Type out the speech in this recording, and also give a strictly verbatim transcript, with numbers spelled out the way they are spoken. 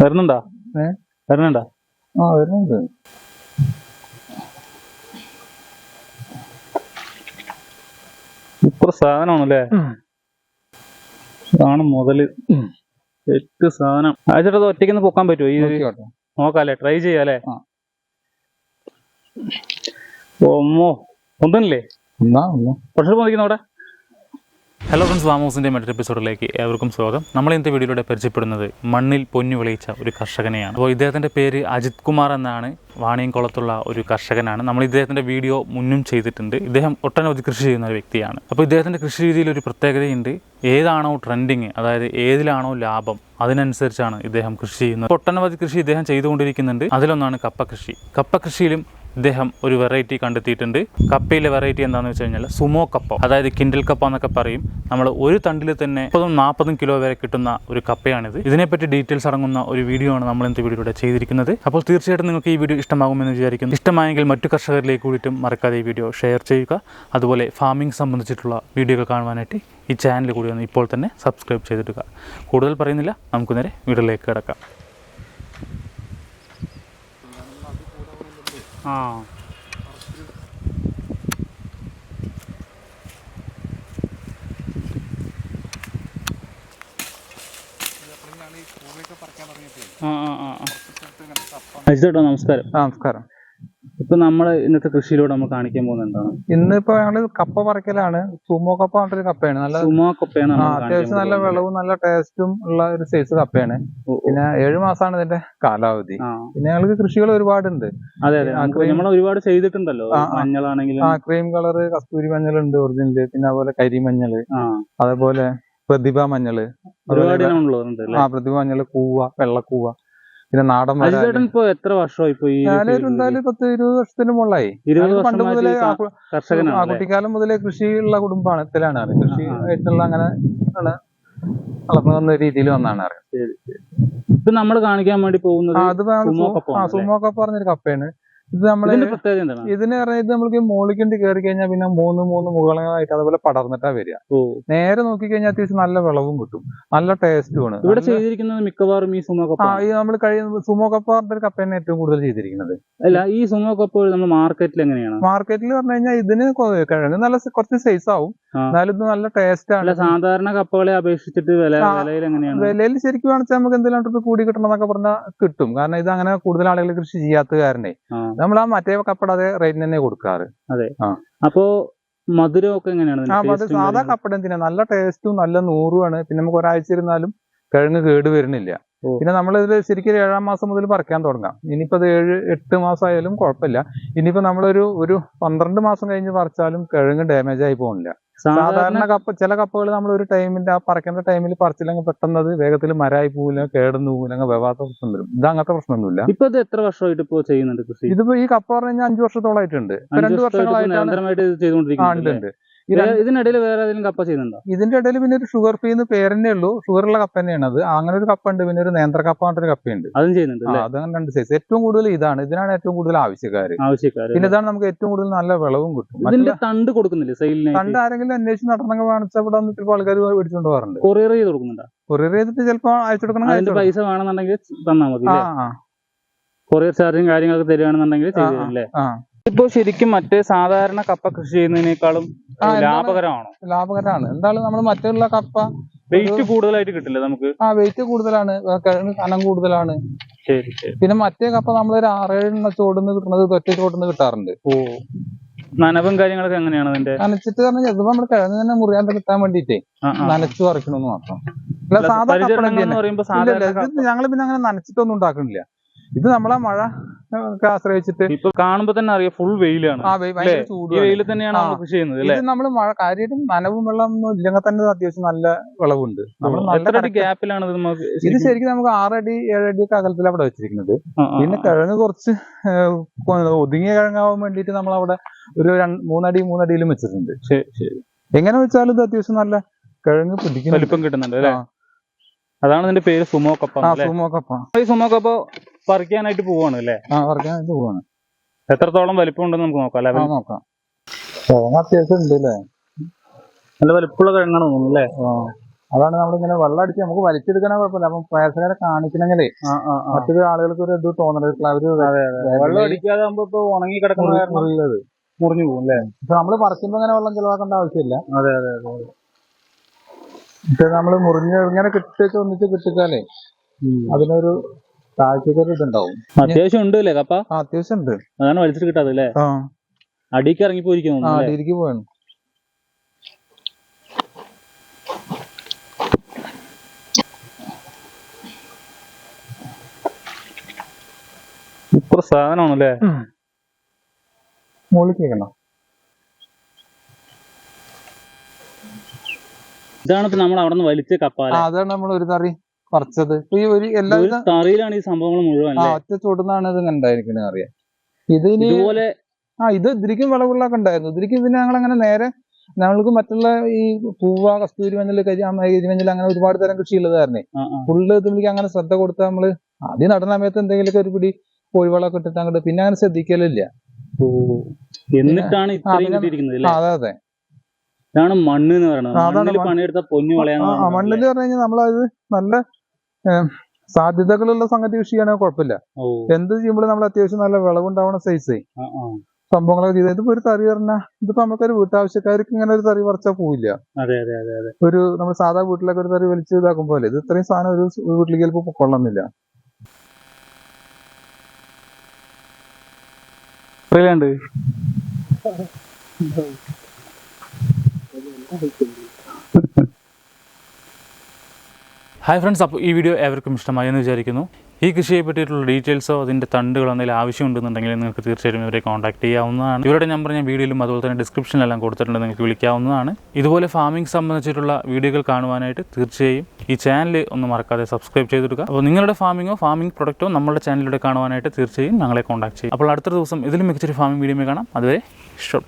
വരുന്നുണ്ടോ? ഏഹ് വരുന്നുണ്ടോ? ആ വരുന്നുണ്ട്. സൂപ്പർ സാധനമാണല്ലേ? സാധനം മുതല് സെറ്റ് സാധനം. അയച്ചിട്ട് അത് ഒറ്റയ്ക്ക് പൊക്കാൻ പറ്റുമോ? ഈ നോക്കാല്ലേ, ട്രൈ ചെയ്യാല്ലേ? ഓമ്മോ ഒന്നല്ലേ കുറച്ച് പോയിക്കുന്ന അവിടെ. ഹലോ ഫ്രണ്ട്സ്, ഫാം ഹൗസിൻ്റെ മറ്റൊരു എപ്പിസോഡിലേക്ക് ഏവർക്കും സ്വാഗതം. നമ്മൾ ഇന്നത്തെ വീഡിയോയിലൂടെ പരിചയപ്പെടുന്നത് മണ്ണിൽ പൊന്നു വിളയിച്ച ഒരു കർഷകനെയാണ്. അപ്പോൾ ഇദ്ദേഹത്തിൻ്റെ പേര് അജിത് കുമാർ എന്നാണ്. വാണിയംകുളത്തുള്ള ഒരു കർഷകനാണ്. നമ്മൾ ഇദ്ദേഹത്തിൻ്റെ വീഡിയോ മുന്നും ചെയ്തിട്ടുണ്ട്. ഇദ്ദേഹം ഒട്ടനവധി കൃഷി ചെയ്യുന്ന ഒരു വ്യക്തിയാണ്. അപ്പോൾ ഇദ്ദേഹത്തിൻ്റെ കൃഷി രീതിയിൽ ഒരു പ്രത്യേകതയുണ്ട്. ഏതാണോ ട്രെൻഡിങ്, അതായത് ഏതിലാണോ ലാഭം, അതിനനുസരിച്ചാണ് ഇദ്ദേഹം കൃഷി ചെയ്യുന്നത്. ഒട്ടനവധി കൃഷി ഇദ്ദേഹം ചെയ്തുകൊണ്ടിരിക്കുന്നുണ്ട്. അതിലൊന്നാണ് കപ്പ കൃഷി. കപ്പ കൃഷിയിലും ഇദ്ദേഹം ഒരു വെറൈറ്റി കണ്ടെത്തിയിട്ടുണ്ട്. കപ്പയിലെ വെറൈറ്റി എന്താണെന്ന് വെച്ച് കഴിഞ്ഞാൽ സുമോ കപ്പ, അതായത് കിൻഡൽ കപ്പ എന്നൊക്കെ പറയും. നമ്മൾ ഒരു തണ്ടിൽ തന്നെ മുപ്പതും നാൽപ്പതും കിലോ വരെ കിട്ടുന്ന ഒരു കപ്പയാണിത്. ഇതിനെപ്പറ്റി ഡീറ്റെയിൽസ് അടങ്ങുന്ന ഒരു വീഡിയോ ആണ് നമ്മൾ ഇന്നത്തെ വീഡിയോയുടെ ചെയ്തിരിക്കുന്നത്. അപ്പോൾ തീർച്ചയായിട്ടും നിങ്ങൾക്ക് ഈ വീഡിയോ ഇഷ്ടമാകുമെന്ന് വിചാരിക്കുന്നു. ഇഷ്ടമായെങ്കിൽ മറ്റു കർഷകരിലേക്ക് കൂടിയിട്ടും മറക്കാതെ ഈ വീഡിയോ ഷെയർ ചെയ്യുക. അതുപോലെ ഫാമിംഗ് സംബന്ധിച്ചിട്ടുള്ള വീഡിയോകൾ കാണുവാനായിട്ട് ഈ ചാനൽ കൂടി ഒന്ന് ഇപ്പോൾ തന്നെ സബ്സ്ക്രൈബ് ചെയ്തിടുക. കൂടുതൽ പറയുന്നില്ല, നമുക്ക് നേരെ വീഡിയോയിലേക്ക് കിടക്കാം. ആ അജിതേട്ടോ, നമസ്കാരം. നമസ്കാരം. ഇപ്പൊ നമ്മള് ഇന്നത്തെ കൃഷിയിലൂടെ നമ്മൾ കാണിക്കാൻ പോകുന്നത് എന്താണ്? ഇന്നിപ്പോ ഞങ്ങള് കപ്പ പറിക്കലാണ്. സുമോ കപ്പ പറഞ്ഞൊരു കപ്പയാണ്. നല്ല സുമോ കപ്പയാണ്. അത്യാവശ്യം നല്ല വിളവും നല്ല ടേസ്റ്റും ഉള്ള ഒരു സൈസ് കപ്പയാണ്. പിന്നെ ഏഴു മാസമാണ് ഇതിന്റെ കാലാവധി. പിന്നെ ഞങ്ങൾക്ക് കൃഷികൾ ഒരുപാടുണ്ട്. അതെ അതെ, നമ്മൾ ഒരുപാട് ചെയ്തിട്ടുണ്ടല്ലോ. മഞ്ഞളാണെങ്കിലും ആ ക്രീം കളറ് കസ്തൂരി മഞ്ഞളുണ്ട് ഒറിജിനല്. പിന്നെ അതുപോലെ കരിമഞ്ഞള്, അതേപോലെ പ്രതിഭ മഞ്ഞള്, ഒരുപാട് ആ പ്രതിഭ മഞ്ഞള്, കൂവ, വെള്ളക്കൂവ, പിന്നെ നാടൻ. ഇപ്പൊ എത്ര വർഷമായി? ഇപ്പൊ ഞാനൊരു എന്തായാലും പത്ത് ഇരുപത് വർഷത്തിന് മുകളിലായി. പണ്ട് മുതലേ ആ കുട്ടിക്കാലം മുതലേ കൃഷിയുള്ള കുടുംബത്തിലാണ്. കൃഷി ആയിട്ടുള്ള അങ്ങനെ വളർന്നു വന്ന രീതിയിൽ വന്നാണ് അറിയാം. ഇപ്പൊ നമ്മൾ കാണിക്കാൻ വേണ്ടി പോകുന്നത് അത് സുമോ കപ്പ പറഞ്ഞൊരു കപ്പയാണ്. ഇത് നമ്മള് ഇതിന് പറഞ്ഞാൽ ഇത് നമ്മൾക്ക് മോളിക്കണ്ടി കയറി കഴിഞ്ഞാൽ പിന്നെ മൂന്ന് മൂന്ന് മുകളായിട്ട് അതുപോലെ പടർന്നിട്ടാ വരിക. നേരെ നോക്കി കഴിഞ്ഞാൽ അത്യാവശ്യം നല്ല വിളവും കിട്ടും, നല്ല ടേസ്റ്റും ആണ്. ഇവിടെ ചെയ്തിരിക്കുന്നത് മിക്കവാറും ഈ സുമോ കപ്പ. ഈ നമ്മൾ കഴിയുന്ന സുമോ കപ്പ പറഞ്ഞ ഒരു കപ്പയാണ് ഏറ്റവും കൂടുതൽ ചെയ്തിരിക്കുന്നത്. അല്ല, ഈ സുമോ കപ്പ നമ്മൾ മാർക്കറ്റിൽ എങ്ങനെയാണ്? മാർക്കറ്റിൽ പറഞ്ഞു കഴിഞ്ഞാൽ ഇതിന് കിഴങ്ങ് നല്ല കുറച്ച് സൈസ് ആവും, എന്നാലും ഇത് നല്ല ടേസ്റ്റ് ആണ്. സാധാരണ കപ്പകളെ അപേക്ഷിച്ചിട്ട് വിലയിൽ എങ്ങനെയാണ്? വിലയിൽ ശരിക്കും കാണിച്ചാൽ നമുക്ക് എന്തെങ്കിലും കൂടി കിട്ടണം എന്നൊക്കെ പറഞ്ഞാൽ കിട്ടും. കാരണം ഇത് അങ്ങനെ കൂടുതൽ ആളുകൾ കൃഷി ചെയ്യാത്ത കാരണേ നമ്മൾ ആ മറ്റേ കപ്പട അതേ റേറ്റിന് തന്നെ കൊടുക്കാറ്. അതെ. അപ്പോ മധുരം ഒക്കെ എങ്ങനെയാണ്? ആ മധുരം സാധാ കപ്പട എന്തിനാ നല്ല ടേസ്റ്റും നല്ല നൂറുമാണ്. പിന്നെ നമുക്ക് ഒരാഴ്ച ഇരുന്നാലും കിഴങ്ങ് കേട് വരുന്നില്ല. പിന്നെ നമ്മളിത് ശരിക്കും ഏഴാം മാസം മുതൽ പറിക്കാൻ തുടങ്ങാം. ഇനിയിപ്പോ അത് ഏഴ് എട്ട് മാസം ആയാലും കുഴപ്പമില്ല. ഇനിയിപ്പോ നമ്മളൊരു ഒരു പന്ത്രണ്ട് മാസം കഴിഞ്ഞ് പറിച്ചാലും കിഴങ്ങ് ഡാമേജ് ആയി പോകുന്നില്ല. സാധാരണ കപ്പ ചില കപ്പകൾ നമ്മൾ ഒരു ടൈമിന്റെ ആ പറിക്കേണ്ട ടൈമിൽ പറിച്ചില്ലെങ്കിൽ പെട്ടെന്ന് വേഗത്തിൽ മരമായി പോവില്ല, കേടന്നു പോവില്ല, അങ്ങനെ വ്യവാത്ത പ്രശ്നം വരും. ഇത് അങ്ങനത്തെ പ്രശ്നമൊന്നുമില്ല. ഇപ്പൊ ഇത് എത്ര വർഷമായിട്ട് ഇപ്പൊ ചെയ്യുന്നുണ്ട് കൃഷി? ഇതിപ്പോ ഈ കപ്പ പറഞ്ഞു കഴിഞ്ഞാൽ അഞ്ചു വർഷത്തോളായിട്ടുണ്ട്. രണ്ടു വർഷങ്ങളായിട്ടാണ്. ഇതിനിടയിൽ വേറെ ഏതെങ്കിലും കപ്പ ചെയ്യുന്നുണ്ടോ? ഇതിന്റെ ഇടയിൽ പിന്നെ ഒരു ഷുഗർ ഫ്രീ എന്ന് പേരെന്നെ ഉള്ളൂ. ഷുഗറുള്ള കപ്പ തന്നെയാണ് അത്. അങ്ങനെ ഒരു കപ്പ ഉണ്ട്. പിന്നെ ഒരു നേന്ത്ര കപ്പ പറഞ്ഞൊരു കപ്പയുണ്ട്, അതും ചെയ്യുന്നുണ്ട്. അതങ്ങനെ രണ്ട് സൈസ്. ഏറ്റവും കൂടുതൽ ഇതാണ്, ഇതിനാണ് ഏറ്റവും കൂടുതൽ ആവശ്യക്കാര്. ആവശ്യക്കാര് പിന്നെ ഇതാണ് നമുക്ക് ഏറ്റവും കൂടുതൽ നല്ല വിളവും കിട്ടും. ഇതിന്റെ തണ്ട് കൊടുക്കുന്നില്ല സെയിലിന്? തണ്ട് ആരെങ്കിലും അന്വേഷിച്ച് നടന്നെങ്കിൽ കാണിച്ചാൽ ഇവിടെ വന്ന് ചിലപ്പോൾ ആൾക്കാർ മേടിച്ചുകൊണ്ട് പോകാറുണ്ട്. കൊറിയർ ചെയ്ത് കൊടുക്കുന്നുണ്ടോ? കൊറിയർ ചെയ്തിട്ട് ചിലപ്പോൾ അയച്ചു കൊടുക്കണം. അതിന്റെ പൈസ വേണമെന്നുണ്ടെങ്കിൽ തന്നാൽ മതി. കൊറിയർ ചാർജും കാര്യങ്ങളൊക്കെ തരികയാണെന്നുണ്ടെങ്കിൽ ചെയ്തല്ലേ? ഇപ്പൊ ശരിക്കും മറ്റേ സാധാരണ കപ്പ കൃഷി ചെയ്യുന്നതിനേക്കാളും ലാഭകരമാണോ? ലാഭകരമാണ്. എന്തായാലും നമ്മൾ മറ്റുള്ള കപ്പ വെയിറ്റ് കൂടുതലായിട്ട് കിട്ടില്ല നമുക്ക്. ആ വെയിറ്റ് കൂടുതലാണ്, കിഴങ്ങ് കനം കൂടുതലാണ്. ശരി ശരി. പിന്നെ മറ്റേ കപ്പ നമ്മളൊരു ആറേഴെണ്ണ ചോടുന്ന് കിട്ടുന്നത് ഒറ്റ ചോടുന്ന് കിട്ടാറുണ്ട്. ഓ, നനവും കാര്യങ്ങളൊക്കെ എങ്ങനെയാണ് അതിന്റെ? നനച്ചിട്ട് പറഞ്ഞാൽ ചിലപ്പോ നമ്മൾ കിഴങ്ങ് തന്നെ മുറിയാണ്ട് കിട്ടാൻ വേണ്ടിട്ടേ നനച്ചു പറിക്കണമെന്ന് മാത്രം. അല്ല സാധാ ഞങ്ങള് പിന്നെ അങ്ങനെ നനച്ചിട്ടൊന്നും ഉണ്ടാക്കണില്ല. ഇത് നമ്മളെ മഴ ആശ്രയിച്ചിട്ട് ഇപ്പൊ കാണുമ്പോ തന്നെ അറിയാം ഫുൾ വെയിലാണ്. വെയിൽ തന്നെയാണ് കൃഷി ചെയ്യുന്നത്. ഇത് നമ്മള് മഴ കാര്യമായിട്ടും നനവും വെള്ളം ഒന്നും ഇല്ലെങ്കിൽ തന്നെ അത്യാവശ്യം നല്ല വിളവുണ്ട്. ഗ്യാപ്പിലാണ് ഇത് ശരിക്കും നമുക്ക് ആറടി ഏഴടി ഒക്കെ അകലത്തിൽ അവിടെ വെച്ചിരിക്കുന്നത്. പിന്നെ കിഴങ്ങ് കുറച്ച് ഒതുങ്ങിയ കിഴങ്ങാവാൻ വേണ്ടിട്ട് നമ്മൾ അവിടെ ഒരു മൂന്നടി മൂന്നടിയിലും വെച്ചിട്ടുണ്ട്. എങ്ങനെ വെച്ചാലും ഇത് അത്യാവശ്യം നല്ല കിഴങ്ങ് പിടിക്കും, വലിപ്പം കിട്ടുന്നുണ്ട് അല്ലേ? അതാണ് ഇതിന്റെ പേര് സുമോ കപ്പ. സുമോ കപ്പ. ഈ സുമോ കപ്പ പറിക്കാനായിട്ട് പോവാണ് അല്ലേ? ആ പറിക്കാനായിട്ട് പോവാണ്. എത്രത്തോളം വലിപ്പം ഉണ്ടെന്ന് നമുക്ക് നോക്കാം അല്ലെ? നോക്കാം. കിഴങ്ങ് അത്യാവശ്യം ഉണ്ട് അല്ലേ? നല്ല വലിപ്പമുള്ള കിഴങ്ങാണ് തോന്നുന്നു അല്ലേ? അതാണ് നമ്മളിങ്ങനെ വെള്ളം അടിച്ച് നമുക്ക് വലിച്ചെടുക്കണ കുഴപ്പമില്ല. അപ്പം പ്രേക്ഷകരെ കാണിക്കണമെങ്കിലേ മറ്റൊരു ആളുകൾക്ക് ഒരു ഇത് തോന്നണം. അവര് വെള്ളം അടിക്കാതെ ഇപ്പൊ ഉണങ്ങി കിടക്കുന്നത് മുറിഞ്ഞു പോകും അല്ലേ? ഇപ്പൊ നമ്മള് പറിക്കുമ്പോ അങ്ങനെ വെള്ളം ചെലവാക്കേണ്ട ആവശ്യമില്ല. അതെ അതെ അതെ. പക്ഷെ നമ്മള് മുറിഞ്ഞ് ഇങ്ങനെ കിട്ടിച്ച് ഒന്നിച്ച് കിട്ടിച്ചാലേ അതിനൊരു താഴ്ചക്കൊരു ഇതുണ്ടാവും. അത്യാവശ്യം ഉണ്ട് അല്ലേ കപ്പ? ആ അത്യാവശ്യം ഉണ്ട്. അതാണ് വലിച്ചിട്ട് കിട്ടാതെ അല്ലേ? ആ അടിക്ക് ഇറങ്ങി പോയിരിക്കും. ആ അടിയിലേക്ക് പോയാണ്. സൂപ്പർ സാധനമാണല്ലേ? മുകളിൽ കേൾക്കണം. ഇതാണ് ഇപ്പൊ നമ്മൾ അവിടെ നിന്ന് വലിച്ച കപ്പ. അതാണ് നമ്മൾ ഒരു തറി പറിച്ചത്. ഈ ഒരു എല്ലാ തറിയിലാണ് ഈ സംഭവങ്ങൾ മുഴുവൻ. ആ ഒറ്റ ചൂടുന്നാണ് ഇത് ഉണ്ടായിരിക്കുന്നത് അറിയാം. ഇത് ഇതുപോലെ ആ ഇത് ഇതിരിക്കും വിളവുള്ളൊക്കെ ഉണ്ടായിരുന്നു. ഇതിരിക്കും ഇതിന് ഞങ്ങൾ അങ്ങനെ നേരെ ഞങ്ങൾക്ക് മറ്റുള്ള ഈ പൂവ, കസ്തൂരി മഞ്ഞൾ, കരിമഞ്ഞൾ അങ്ങനെ ഒരുപാട് തരം കൃഷി ഉള്ളതായിരുന്നേ. ഫുള്ള് ഇതിലേക്ക് അങ്ങനെ ശ്രദ്ധ കൊടുത്താൽ നമ്മള് ആദ്യം നടന്ന സമയത്ത് എന്തെങ്കിലുമൊക്കെ ഒരു പിടി കോഴിവളമൊക്കെ ഇട്ടിട്ട് അങ്ങോട്ട് പിന്നെ അങ്ങനെ ശ്രദ്ധിക്കലില്ല. എന്നിട്ടാണ് അതെ അതെ ഇതാണ് മണ്ണ് എന്ന് പറയുന്നത്. പണിയെടുത്ത പൊന്നു കളയാന്ന്. മണ്ണില് പറഞ്ഞു കഴിഞ്ഞാൽ നമ്മളത് നല്ല സാധ്യതകളുള്ള സംഗതി കൃഷിയാണെങ്കിൽ കുഴപ്പമില്ല. എന്ത് ചെയ്യുമ്പോഴും നമ്മൾ അത്യാവശ്യം നല്ല വിളവുണ്ടാവണ സൈസ് സംഭവങ്ങളൊക്കെ ചെയ്ത് ഇതിപ്പോ ഒരു തറി പറഞ്ഞാൽ ഇതിപ്പോ നമുക്കൊരു വീട്ടാവശ്യക്കാർക്ക് ഇങ്ങനെ ഒരു തറി പറിച്ചാൽ പോവില്ല. ഒരു നമ്മൾ സാധാ വീട്ടിലൊക്കെ ഒരു തറി വലിച്ച് ഇതാക്കുമ്പോലെ ഇത് ഇത്രയും സാധനം ഒരു വീട്ടിലേക്ക് ചിലപ്പോൾ കൊള്ളുന്നില്ല. ഹായ് ഫ്രണ്ട്സ്, അപ്പോൾ ഈ വീഡിയോ ഏവർക്കും ഇഷ്ടമായി എന്ന് വിചാരിക്കുന്നു. ഈ കൃഷിയെ പറ്റിയിട്ടുള്ള ഡീറ്റെയിൽസോ അതിൻ്റെ തണ്ടുകളോ എന്തെങ്കിലും ആവശ്യമുണ്ടെന്നുണ്ടെങ്കിൽ നിങ്ങൾക്ക് തീർച്ചയായിട്ടും ഇവരെ കോൺടാക്ട് ചെയ്യാവുന്നതാണ്. ഇവരുടെ നമ്പർ ഞാൻ വീഡിയോയിലും അതുപോലെ തന്നെ ഡിസ്ക്രിപ്ഷനിലെല്ലാം കൊടുത്തിട്ടുണ്ട്, നിങ്ങൾക്ക് വിളിക്കാവുന്നതാണ്. ഇതുപോലെ ഫാമിംഗ് സംബന്ധിച്ചിട്ടുള്ള വീഡിയോകൾ കാണുവാനായിട്ട് തീർച്ചയായും ഈ ചാനൽ ഒന്ന് മറക്കാതെ സബ്സ്ക്രൈബ് ചെയ്തെടുക്കുക. അപ്പോൾ നിങ്ങളുടെ ഫാമിങ്ങോ ഫാമിംഗ് പ്രൊഡക്റ്റോ നമ്മുടെ ചാനലിലൂടെ കാണുവാനായിട്ട് തീർച്ചയായും ഞങ്ങളെ കോൺടാക്ട് ചെയ്യും. അപ്പോൾ അടുത്ത ദിവസം ഇതിലും മികച്ചൊരു ഫാമിംഗ് വീഡിയോ കാണാം. അതുവരെ ഷോട്ട്.